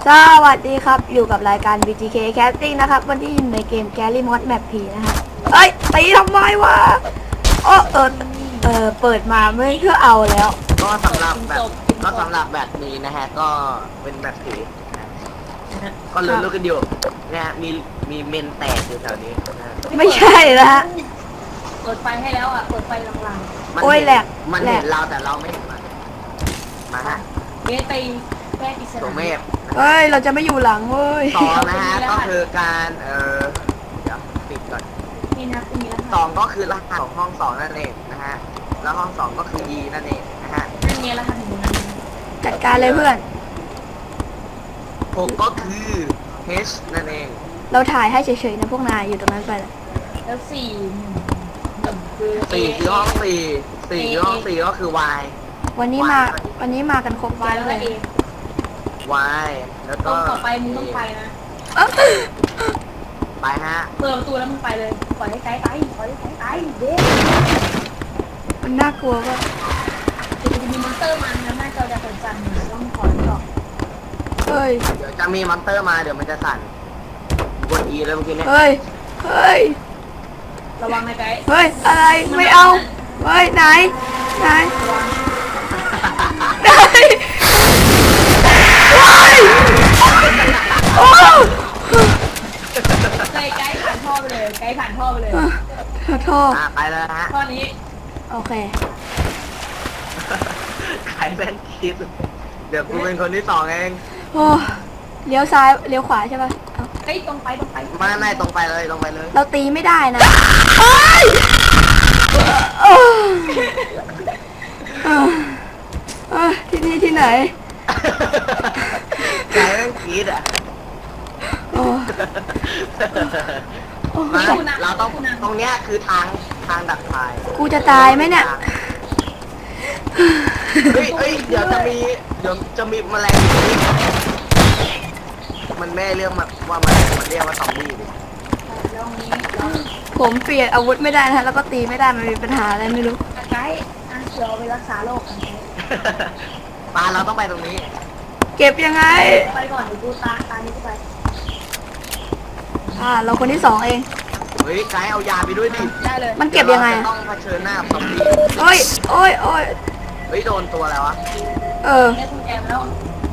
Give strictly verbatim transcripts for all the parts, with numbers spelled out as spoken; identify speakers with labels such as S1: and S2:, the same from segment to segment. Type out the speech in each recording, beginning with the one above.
S1: สวัสดีครับอยู่กับรายการ บี จี เค Casting นะครับวันที่อยู่ในเกม Gary Mod Map ผีนะครับเอ้ยตีทำไมวะโอ้เออเออเปิดมาไม่เพื่อเอาแล้ว
S2: ก็สำหรับแบบก็สำหรับแบบนี้นะฮะก็เป็นแบบผีก็เลื่อนลูกกันอยู่นะฮะมีมีเมนแตกอยู่แถวนี้นะฮะ
S1: ไม่ใช่นะฮะ
S3: เปิดไฟให้แล้วอ่ะ เปิดไฟลาง
S2: มัน
S1: โอ้ย
S2: เห็น
S1: แหลก
S2: มัน
S1: แหล
S2: เห็
S1: ก
S2: นเราแต่เราไม่เห็นมันมาฮะ
S3: ๆเบสไปแก้กิจ
S2: ตัวเมฆ
S1: เฮ้ยเราจะไม่อยู่หลังเว้ย
S2: สองนะฮะก็คือการเอ่อเดี๋ยวปิดก่อน
S3: นี่นะตรงนี้แล้ว
S2: สองก็คือรหัสของห้องสองนั่นเองนะฮะแล้วห้องสองก็คือ E นั่นเองนะฮะ
S3: นั่นเนี่ยแล้วค่ะถึงนั้น
S1: จัดการเลยเพื่อน
S2: หกก็คือ H นั่นเอง
S1: เราถ่ายให้เฉยๆนะพวกนายอยู่ตรงนั้นไปเลย
S3: แล้วสี่หนึ่งคือ
S2: สี่คือห้องสี่สี่คือห้องสี่ก็คือ Y
S1: วันนี้มาวันนี้มากันครบ
S3: วายแล้ว
S1: เล
S3: ก็
S1: ย
S3: เอ
S2: Y แล้ว
S3: ตร
S2: ก็
S3: งต่อไปมึงต้องไปนะ
S1: เอ้า
S2: ไปฮะ
S3: เปิดประตูแล้วมึงไปเลยปล่อยให้ไกด์ไปปล่อยให้ไกด์ไปเบส
S1: มันน่ากลัวป่ะ
S3: จะมีมอนเตอร์มันแล้วหน้าจอจะเปิดจันทร์ต้องขอหรอก
S1: เฮ้ย
S2: เดี๋ยวจะมีมอนเตอร์มาเดี๋ยวมันจะสั่นกด E เลยเมื่อกี้เนี่ย
S1: เฮ้ยเฮ้ย
S3: ระวังนะไกด์
S1: เฮ้ยอะไรไม่เอาเฮ้ยไหนไหน
S3: ระวัง
S1: ไหนว้ายโอ้
S3: ไกด์ไกด์ผ่านท่อไปเลยไกด์ผ่านท่อไปเลย
S1: ขอโทษ
S2: อ่ะไปเลยฮะ
S3: ท่อนี้
S1: โอเค
S2: ใครเป็นคิด เดี๋ยวกูเป็นคนที่สองเอง
S1: โอ้เลี้ยวซ้ายเลี้ยวขวาใช่ป่ะเอ้า
S3: ไกด์ตรงไปตรงไป
S2: ไม่ไม่ตรงไปเลยตรงไปเลย
S1: เราตีไม่ได้นะเฮ้ยเออเออเออที่นี่ที่ไหน
S2: ใครเป็นคิดอ่ะ
S1: โอ้โอ้
S2: มาเราต้องตรงเนี้ยคือทางทางดักทาย
S1: กูจะตายไหมเนี่ย
S2: เฮ้ยเฮ้ยเดี๋ยวจะมีเดี๋ยวจะมีแมลงอยู่นี่มันไม่เรียกมาว่าแมลงมันเรียกว่าซอมบี้ดิ
S3: แล้วตรงนี้เรา
S1: ผมเปลี่ยนอาวุธไม่ได้นะฮะแล้วก็ตีไม่ได้มันมีปัญหาอะไรไม่รู้
S3: ไกด์อ่ะเดี๋ยวไปรักษาโรคกันไกด์
S2: ปาเราต้องไปตรงนี้
S1: เก็บยังไง
S3: ไปก่อนเดี๋ยวกูตาตานี้กูไป
S1: อ่าเราคนที่สองเอง
S2: เฮ้ยไกด์เอายาไปด้วยดิ
S3: ได้เลย
S1: มันเก็บยังไง
S2: เรา
S1: อะ
S2: จะต้องเผชิญหน้ากับซอมบี้
S1: โอ้ยโอ้ยโอ้ย
S2: เฮ้ยโดนตัวแล้ววะ
S1: เออ
S3: ได้คุณแอมแล้ว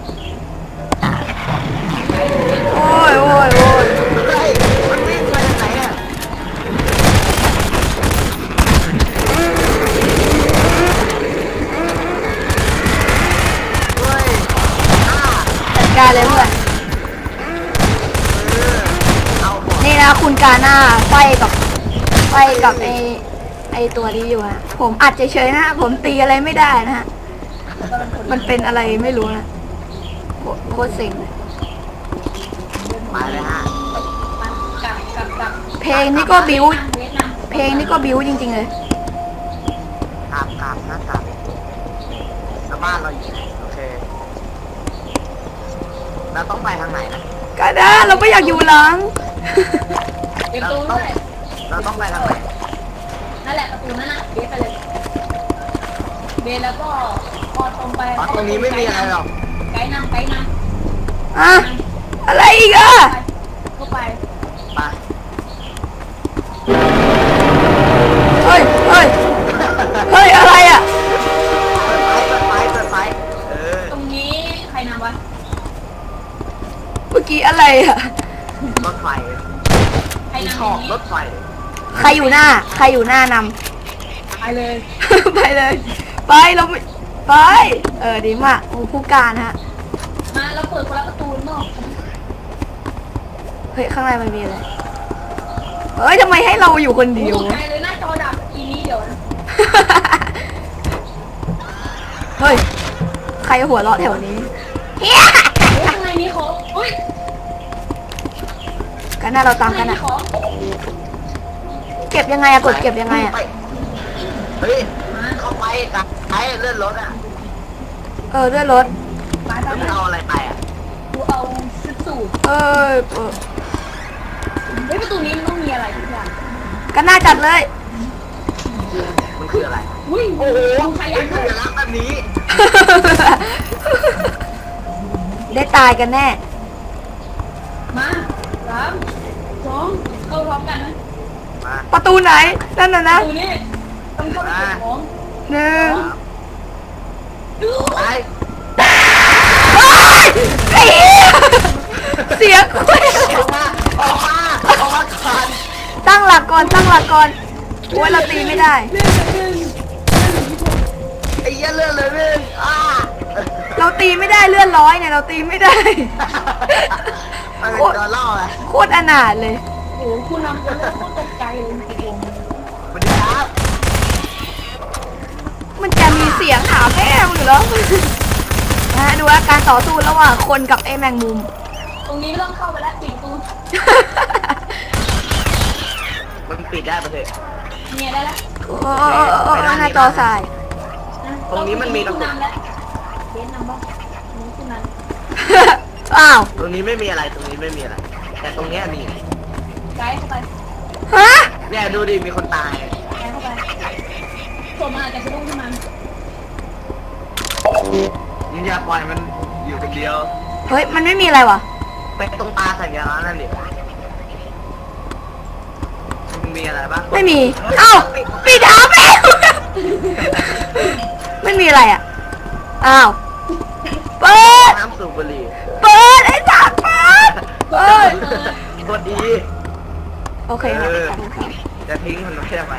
S1: โอ้ยโอ้ยโอ้ย
S2: เฮ้ยมันวิ่งมาจากไหนอ่ะเฮ้ยอ่า
S1: จัดการเลยเพื่อน
S2: เออเอาหมด
S1: นี่นะคุณกาหน้าไฟกับไฟกับไอไอตัวนี้อยู่ฮะผมอัดเฉยๆนะฮะผมตีอะไรไม่ได้นะฮะมันเป็นอะไรไม่รู้นะโคโคตรเซ็งเลย
S2: มาเลยฮะ
S3: มันกลับกลับกลับ
S1: เพลงนี้ก็บิ้ว
S3: เวทนำ
S1: เพลงนี้ก็บิ้วจริงๆเลย
S2: กราบกราบนะกราบแล้วบ้านเราอยู่ไหนโอเคเราต้องไปทางไหนนะ
S1: กาหน้าเราไม่อยากอยู่หลัง
S3: เก็บตู้ด้วย
S2: เราต้องไปทางไหน
S3: นั่นแหละประตูนั่นนะเบสไปเลยเบสแล้วก็พอตรงไป
S2: อ๋อตรงนี้ไม่มีอะไรหรอก
S3: ไกด์นำไกด์นำ
S1: อะอะไรอีกอะ
S3: เข้าไป
S2: ไป
S1: เฮ้ยเฮ้ยเฮ้ยอะไรอะ
S2: เปิดไฟเปิดไฟเปิดไฟเออ
S3: ตรงนี้ใครนำวะ
S1: เมื่อกี้อะไรอะ
S2: รถไฟ
S3: ใคร
S2: ที่
S3: นำ
S2: ชอบ
S3: นี้
S2: รถไฟ
S1: ใครอยู่หน้า ใครอยู่หน้าน
S3: ไปเลย
S1: ำ ไปเลย ไปเราไม่ไป เออดีมากโอ้ผู้การฮะ
S3: มาเราเปิดคนละประตูนอก
S1: เฮ้ยข้างในมันมีอะไรเฮ้ยทำไมให้เราอยู่คนเดียว
S3: ตกใจ
S1: วะ
S3: เลยหน้าจอดับทีนี้เดี๋ยวนะ
S1: เฮ้ยใครหัวเราะแถวนี้เฮีย
S3: เฮ้ยข้างในมีของอุ้ย
S1: กันหน้าเราตามกัน
S3: ข้งใน
S1: อะ
S3: ของ
S1: เก็บยังไงอะกดเก็บยังไงอะ
S2: ปเฮ้ย
S3: มา
S2: เข้าไปกับไอ้เลื่อนรถอ่ะ
S1: เออด้วยรถ
S3: ไปไป
S2: แล้ว
S3: ไป
S2: มันเอาอะไรไปอ่ะ
S3: กูเอาชุดสูท
S1: เออเออ
S3: เฮ้ยประตูนี้มันต้องมีอะไรทุกอย่าง
S1: กันหน้าจัดเลย
S2: มันคืออะไร
S3: อุ้ย
S2: โอ้โห
S3: มึงใครอ
S2: เป็
S3: ยาน ก
S2: สัญลักษณ์แบบนี้
S1: ได้ตายกันแน่
S3: มาสามสองเข้าพร้อมกันนะ
S2: มา
S1: ประตูไหนนั่นน่ะ
S3: ป
S1: นะ
S3: ระตูนี้ต้องเข้าไปเก็บของ
S1: หนึ่ง
S3: ดู
S2: ไป
S1: เฮ้ยไอ้เหี้ยเสียงคุย
S2: ออกมาออกมาออกมาก่อน
S1: ตั้งหลักก่อนตั้งหลักก่อนโอ้ยเราตีไม่ได้
S3: เรื่องเรื่อง
S2: ไอ้เหี้ยเลื่อนเลยเลื่อนอ้า
S1: เราตีไม่ได้เลื่อนร้อยเนี่ยเราตีไม่ได้
S2: มันเป็นตัวล่อไง
S1: โคตรอนาถเลย
S3: โอ้โหคุณนำคนแล้วก็ตกใจเลยจริง
S2: สวัสดีครับ
S1: มันจะมีเสียงหาแม่มึงเหรอนะฮะดูว่าการต่อสู้ระหว่างคนกับไอ้แมงมุม
S3: ๆตรงนี้ไม่ต้องเข้าไปแล้วปิดประตู
S2: มันปิดได้ปะเถอะ
S3: เนี่ยได้แล้ว
S1: โอ้โอ้โอ้โอ้หน้าจอสาย
S2: ตรงนี้มันมีกระ
S3: คุณ
S2: สุน
S3: นำแล้วเบนนำบ้างนี่คุณนำ
S1: อ้าว
S2: ตรงนี้ไม่มีอะไรตรงนี้ไม่มีอะไร แต่ตรงเนี้ยมี
S3: ไกด์เข้าไป
S1: ฮะ
S2: เนี่ยดูดิมีคนตาย
S3: ไกด์เข้าไปส่งมาอาจจะสะดุ้งขึ้นมา
S2: ยิงอย่าปล่อยมันอยู่คนเดียว
S1: เฮ้ยมันไม่มีอะไรวะ
S2: ไปตรงตาสัญลักษณ์นั่นดิมันมีอะไรบ้าง
S1: ไม่มีเอ้าปีเท้าแม่งไม่มีอะไรอ่ะอ้าวเปิด
S2: น้ำสูบบุหรี่
S1: เปิดไอ้จักรเปิดเปิด
S2: กดดี
S1: โอเคครับขอบคุณครับ
S2: จะทิ้งมันไม่ได้ไหม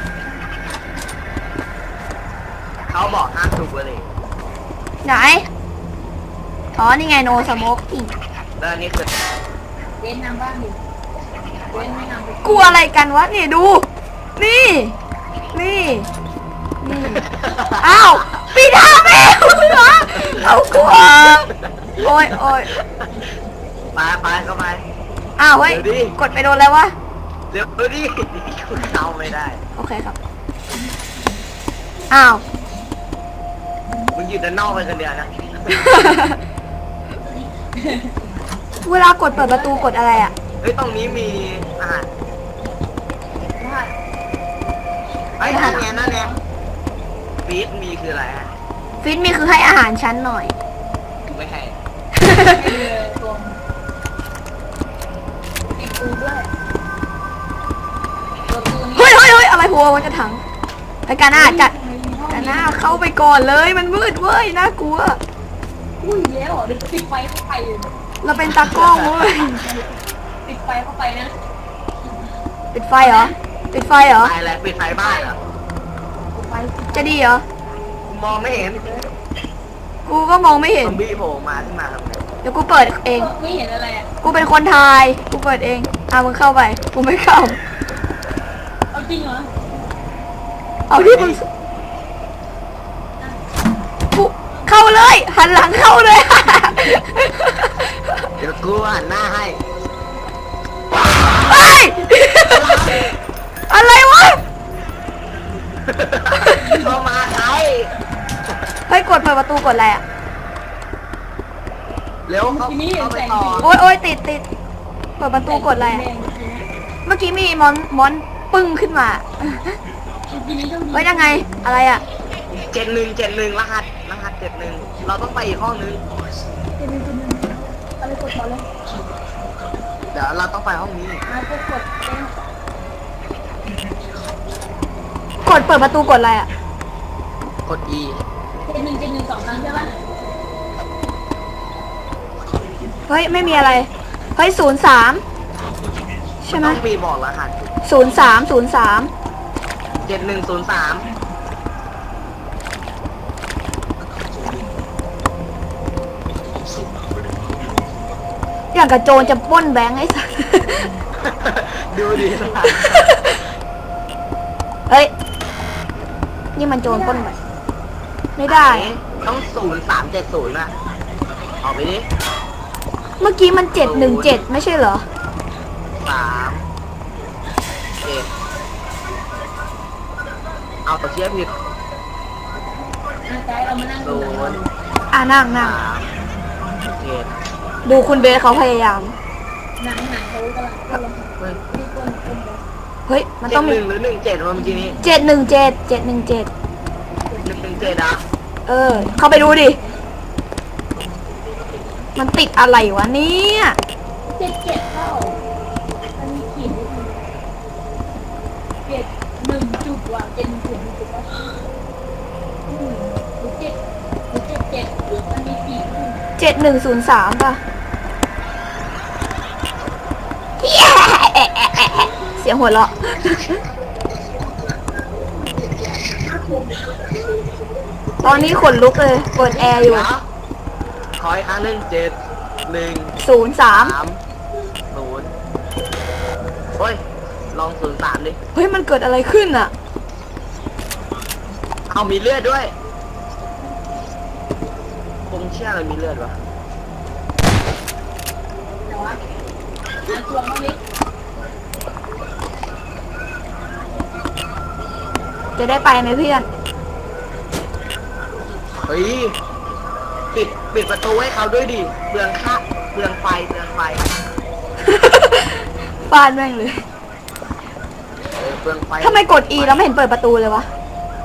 S2: เขาบอกห้ามสูบบุหรี่
S1: ไหนอ๋อนี่ไงโนสโมกอีก
S2: แล้วอันนี้คือ
S3: เบนนำบ้างดิเบนไม่นำไป
S1: กลัวอะไรกันวะนี่ดู นี่ นี่ นี่ อ้าวปีเท้าแม่งเหรอเอากลัวโอ้ยโอ้ย
S2: ไปไปเข้าไป
S1: อ้าวเฮ้ย
S2: เดี๋ยวดิ
S1: กดไปโดนแล้ววะ
S2: เดี๋ยวดูดิคุณเอาไม่ได้
S1: โอเคครับ อ้าว
S2: มึงอยู่ด้านนอกไปคนเดียวนะ
S1: เวลากดเปิดประตูกดอะไรอ่ะ
S2: เฮ้ยตรงนี้มีอาหาร
S3: ว่า
S2: ไอ้ยนั่นไงนั่นไงฟีดมีคืออะไรฮะ
S1: ฟิตมีคือให้อาหารฉันหน่อย
S2: ไม่ให้
S3: เออตรงปิดประตูด้วยประตูนี้
S1: เฮ้ยเฮ้ยเฮ้ยอะไรหัวมันจะถังไอ้การหน้าจัดการหน้าเข้าไปก่อนเลยมันมืดเว้ยน่ากลัว
S3: อุ้ยแล้วเหรอเดี๋ยวปิดไฟเข้าไปเลย
S1: เราเป็นตากล้องเว้ย
S3: ปิดไฟเข้าไปนะ
S1: ปิดไฟเหรอ ปิดไฟเหรอ
S2: ตายแล้วปิดไฟบ้านเหรอ
S3: ปิดไฟ
S1: จะดีเหรอ
S2: มองไม่เห็น
S1: กูก็มองไม่เห็
S2: ซ
S1: น
S2: อมบี้โผล่มาขึ้นมาทำไง
S1: เดี๋ยวกูเปิดเอง
S3: ไม่เห็นอะไรอ่ะ
S1: กูเป็นคนทาย กูเปิดเอง อ่ะมึงเข้าไป กูไม่เข้า
S3: เอาจริงเหรอ
S1: เอาที่มึงกูเข้าเลย หันหลังเข้าเลย
S2: เดี๋ยวกูหันหน้าให้
S1: เฮ้ย อะไรวะ
S2: เข้ามาใคร
S1: เฮ้ยกดเปิดประตูกดอะไรอ่ะ
S2: เร็วเข้าเข้าไปต่อ
S1: โอ๊ยโอ๊ยติดติดเปิดประตูกดอะไรอะเมื่อกี้มีมอนมอนปึ้งขึ้นมา เฮ้ยยังไง อะไรอ่ะ
S2: เจ็ดหนึ่งเจ็ดหนึ่งรหัสรหัสเจ็ดหนึ่งเราต้องไปอีกห้องนึง
S3: อะไรกดก่อนเลย
S2: เดี๋ยวเราต้องไปห้องนี้
S3: อ่ากดกดเอง
S1: กดเปิดประตูกดอะไรอ่ะ
S2: กด E
S3: เจ็ดหนึ่งเจ็ดหนึ่งสองครั้งใช่ปะ
S1: เฮ้ยไม่มีอะไร เฮ้ยศูนย์สามใช่ไหม
S2: ต้องมีบอกรหัส
S1: ศูนย์สามศูนย์สาม
S2: เจ็ดหนึ่งศูนย์สาม
S1: อย่างกับโจรจะปล้นแบงค์ไอ้สัส
S2: ดูดิ
S1: เฮ้ย นี่มันโจรปล้นแบงค์ไม่ได้
S2: ต้องศูนย์สามเจ็ดศูนย์นะออกไปดิ
S1: เมื่อกี้มันเจ็ดหนึ่งเจ็ดไม่ใช่เหรอ
S2: สามเจ็ดเอาตัวเชียร์ผิด
S3: อ่ะไกด์เรามานั่ง
S2: ศู
S3: ดูหนัง
S2: นย์
S1: อ่านั่งนั่ง
S2: สามเจ็ด
S1: ดูคุณเบสเขาพยายาม
S3: หนังหนังเขากำลังกำลัง
S2: เฮ้ย
S3: ที่ก้นก้นเลย
S1: เฮ้ย มัน
S2: เจ็
S1: ต้อ
S2: ด
S1: ง
S2: ห
S1: มี
S2: นึ่งหรือหนึ่งเจ็ดวะเมื่อกี้นี้
S1: เจ็ดหนึ่งเจ็ดเจ็ดหนึ่งเจ็ด
S2: หนึ่งหนึ่งเจ็ดอ่ะ
S1: เออ เข้าไปดูดิ มันติดอะไรวะเนี่ย
S3: จ็ดเจ็ดเท่ามันมีขีดนิดนึงเจ็ดหนึ่งจุดว่ะเจ็ดหนึ่งจุดหนึ่งจุดว่าอืมหรือเจ็ดหรือเจ็ดเจ็ดมันมีขีดนิดนึง
S1: เจ็ดหนึ่งศูนย์สามป่ะเสียงหัวเราะ ตอนนี้ขนลุกเลยเปิดแอร์อยู่
S2: เดี๋ยวขออีกครั้งหนึ่งเจ็ดหนึ่ง
S1: ศูนย์สาม
S2: สามศูนย์โอ้ย ลองศูนย์สามดิ
S1: เฮ้ยมันเกิดอะไรขึ้นอ่ะ
S2: เอามีเลือดด้วยคงเชื่ออะไรมีเลือดวะ
S3: แต่ว่าอ่านตัวมันเล็ก
S1: จะได้ไปไหมเพื่อน
S2: เฮ้ย ปิด ปิดประตูให้เขาด้วยดิเปลืองค่าเปลืองไฟเปลืองไฟ
S1: ฟาดแม่งเลย
S2: เออเปลืองไฟ
S1: ทำไมกด E แล้วไม่เห็นเปิดประตูเลยวะ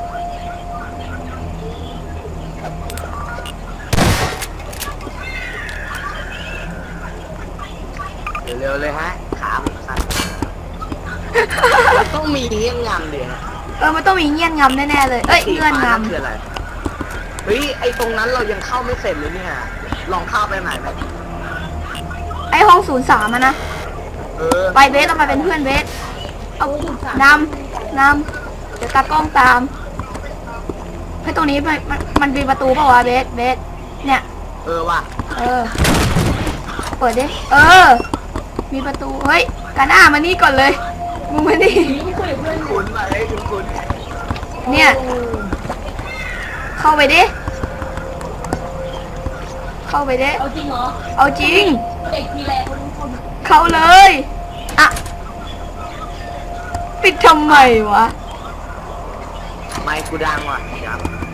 S2: เร็วๆเลยฮะ ขาผมสั่นมันต้องมีเงี้ยงำเดี๋ยว
S1: เออมันต้องมีเงี้ยนงำแน่ๆเลย เอ้ยเงื่อนง
S2: คืออะไร เฮ้ย ไอตรงนั้นเรายังเข้าไม่เสร็จเลยเนี่ย ลองเข้าไปไหนไหม
S1: ำไอห้องศูนย์สามอะนะ
S2: เออ
S1: ไปเบสต้องไปเป็นเพื่อนเบส เอานำนำเดี๋ยวตากล้องตามให้ตรงนี้มันมันมันมีประตูเปล่าวะเบสเบสเนี่ย
S2: เออว่ะ
S1: เออ เปิดดิ เออ มีประตู เฮ้ยกาหน้ามานี่ก่อนเลย มึงมานี่
S3: ผีไม่คุยกับเพื่อน
S2: คุณไปให้คุณคุณ
S1: เนี่ย เข้าไปดิ เข้าไปดิ
S3: เอาจริงเหรอ
S1: เอาจริง
S3: เด็กทีแรกคนทุกคน
S1: เข้าเลย อ่ะ ปิดทำไมวะ
S2: ไม่กูดังว่ะครับ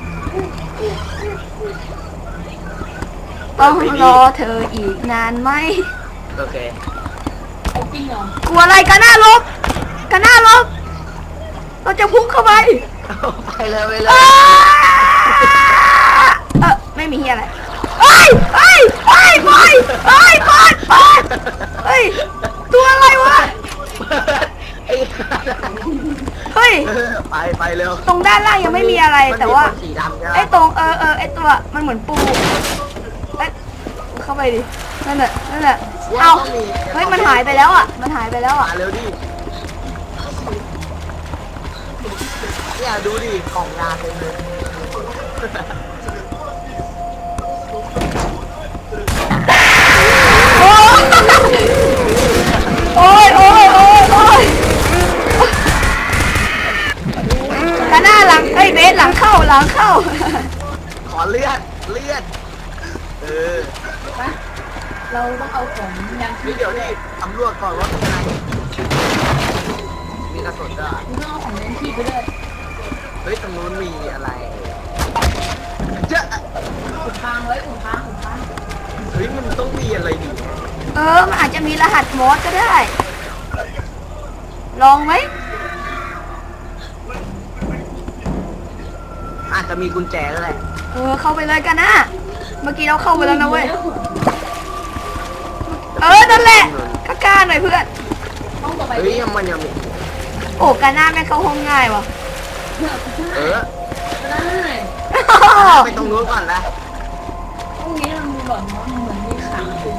S1: ต้องรอเธออีกนานไหม
S2: โอเค
S3: เอาจริงเหรอก
S1: ลัวอะไรกันหน้าลบกันหน้าลบ เราจะพุ่งเข้าไป
S2: ไปเลยไปเล
S1: เอ้
S2: ย
S1: ยเออไม่มีเฮียอะไรเฮ้ยเฮ้ยเฮ้ยเฮ้ยเฮ้ยเปิดเปิดเฮ้ย ตัวอะไรวะ
S2: ไอ้
S1: เฮ้ย
S2: เออไปไปเร็ว
S1: ตรงด้านล่างยังไม่มีอะไรแต่ว่า
S2: มันมีคนสีดำใช่ไหม
S1: ไอ้ตรงเออเออไอ้ตัวมันเหมือนปูเอ้ยเข้าไปดิ นั่นแหละนั่นแหละเอาเฮ้ยมันหายไปแล้วอ่ะ มันหายไปแล้วอ่ะ
S2: มาเร็วดิเนี่ยดูดิของยาเต็มเลย
S1: โอ้ยโอ้ยโอ้ยโอ้ยกระหน้าหลังเอ้ยเบสหลังเข้าหลังเข้า
S2: ขอเลือดเลือดเออ
S3: ไปเราต้องเอาของยังชี
S2: นี่
S3: พ
S2: เดี๋ยวนี่ตำรวจก่อนว่าเป็นไงมีกระสุนด้วย
S3: คุณต้องเอาของยังชีพไปด้วย
S2: เฮ้ยตรงนู้นมีอะไรเจ้า
S3: อุดทางไว้อุดทางอุดทาง
S2: เฮ้ยมันต้องมีอะไรดิ
S1: เออมันอาจจะมีรหัสมอสก็ได้ ลองไหม
S2: อาจจะมีกุญแจแล้วแหละ
S1: เออเข้าไปเลยกันนะเมื่อกี้เราเข้าไปแล้วนะเว้ย เออนั่นแหละกล้าๆหน่อยเพื่อน
S3: ห้องต่อไป
S2: เฮ้ยมันยังมี
S1: โอ้กาหน้าแม่งเข้าห้องง่ายว่ะ
S2: เออ
S3: ได้
S2: ไปตรงนู้นก่อนนะ
S3: ห้องนี้มันมีหลอดเนาะเหมือนมีขังอยู่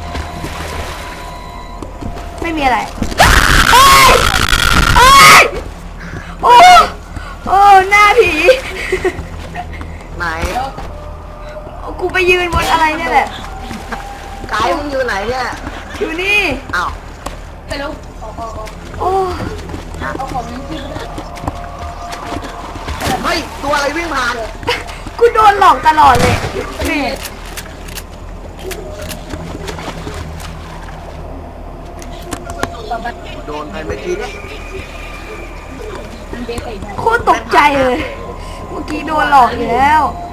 S1: ไม่มีอะไรเอ้ยเอ้ยโอ้โอ้หน้าผี
S2: ไหน
S1: กูไปยืนบนอะไรเนี่ยแหละ
S2: ไกด์มึงอยู่ไหนเนี่ย
S1: อยู่นี่
S2: อ้าว
S3: ไปแล้วเอาเอาเอา
S1: โอ้
S3: เอาของยังชีพไปด้วย
S2: เฮ้ยตัวอะไรวิ่งผ่าน
S1: กูโดนหลอกตลอดเลยแม่
S3: ต่อไป
S2: โดนไปเมื่อกี้เนี่ย
S3: มันเบสใส่ได้
S1: โคตรตกใจเลย เมื่อกี้โดนหลอกอยู่แล้ว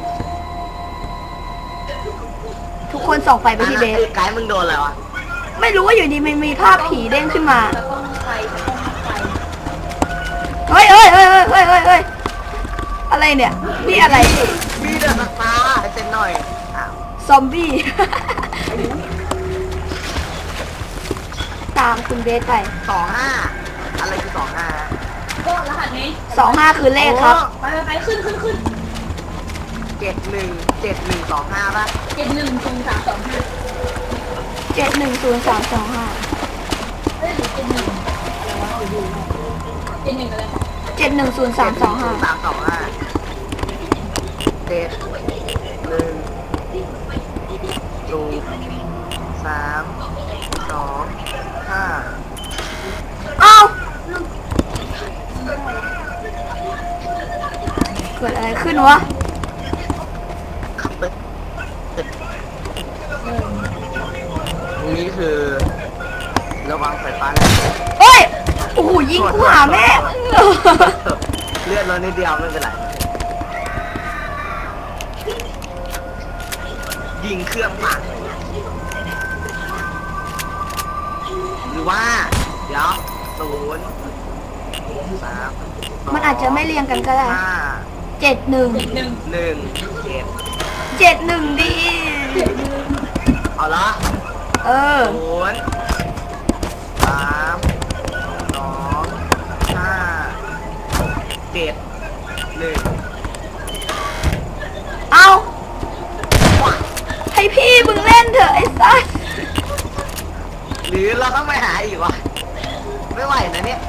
S1: ทุกคนส่องไฟไปที่เบส
S2: ไกด์มึงโดนอะไรวะ
S1: ไม่รู้ว่าอยู่ดีมันมีภาพผีเด้งขึ้นมา
S3: แล้วก็ไฟแล้วก็ไฟ
S1: เฮ้ยเฮ้ยเฮ้ยเฮ้ยเฮ้ยเฮ้ยเฮ้ยอะไรเนี่ย นี่อะไร
S2: มีเดือดฟ้าให้เซ็นหน่อยอ้าว
S1: ซอมบี้ตามคุณเบสไป
S2: สองห้าอะไรคือสองห้า
S3: ก็รหัสนี้
S1: สองห้าคือเลขครับ
S3: ไปไปไปขึ้นขึ้นขึ้น
S2: เจ็ดหนึ่งเจ็ดหนึ่งสองห้าป่ะ
S3: เจ็ดหนึ่งศูนย์สามสองห้า
S1: เจ็ดหนึ่งศูนย์สามสองห้า
S3: เฮ้ยหรือเจ็ดหนึ่งอะไรวะเดี๋ยวดูนะเจ็ดหนึ่งอะไร
S1: เจ็ดหนึ่งศูนย์สามสองห้า
S2: สามสองห้าเจ็ดหนึ่งศูนย์สามสองห้า
S1: เอ้าเกิดอะไรขึ้นวะ
S2: ขับไป
S3: เออ
S2: ตรงนี้คือระวังไฟฟ้าแรง
S1: เฮ้ย โอ้โหยิงกูหาแม่
S2: เลือดเรานิดเดียวไม่เป็นไร ยิงเครื่องผ่านหรือว่า เดี๋ยวศูนย์สาม
S1: มันอาจจะไม่เรียงกันก็ได้
S2: ห้า
S1: เจ็ดหนึ่ง
S3: เจ็ดหนึ่ง
S2: หนึ่งเจ็ด
S1: เจ็ดหนึ่งดี
S3: เจ็ดหนึ่ง
S2: เอาละ
S1: เออ
S2: ศูนย์สามสองห้าเจ็ดหนึ่ง
S1: เอาให้พี่มึงเล่นเถอะไอ้สัส
S2: หรือเราต้องไปหาอีกวะไม่ไหวนะเนี่ย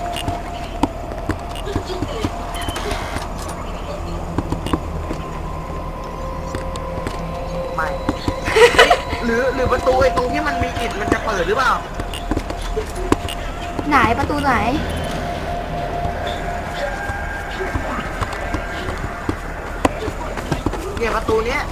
S2: ไม่ หรือหรือประตูไอ้ตรงที่มันมีอิฐมันจะเปิดหรือเปล่า
S1: ไหนประตูไหน
S2: เนี่ยประตูเนี้ย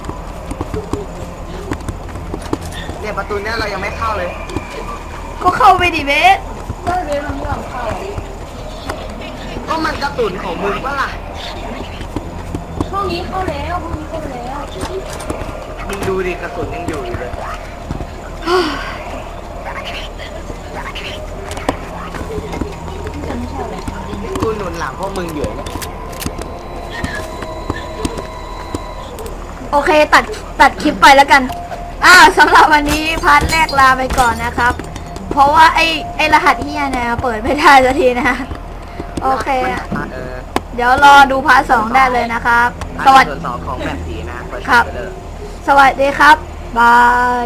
S2: เนี่ยประตูเนี้ยเรายังไม่เข้าเลย
S1: ก็เข้าไปดิเบส
S3: ก็เรียนมันไม่ยอมเข้า
S2: ก็มันกระตุนของมึงปะล่ะ
S3: ห้องนี้เข้าแล้วห้องนี้เข้าแล้ว
S2: มึงดูดิกระสุนยังอยู่อยู่เลย
S3: จะไม่ใช่แหละ
S2: กูหนุนหลังพวกมึงอยู่เนี่ย
S1: โอเคตัดตัดคลิปไปแล้วกัน อ่าสำหรับวันนี้พาร์ทแรกลาไปก่อนนะครับ เพราะว่าไอ้ไอ้รหัสเฮียเนี่ยเปิดไม่ได้สักทีนะ โอเคอะ
S2: เออ
S1: เดี๋ยวรอดูพาร์ทสองได้เลยนะครับ ส
S2: ส
S1: วั
S2: วั
S1: ส
S2: ส
S1: ดี
S2: ดีสองของแบบสีนะเปิด
S1: ครับ
S2: ไปเลย
S1: สวัสดีครับ บาย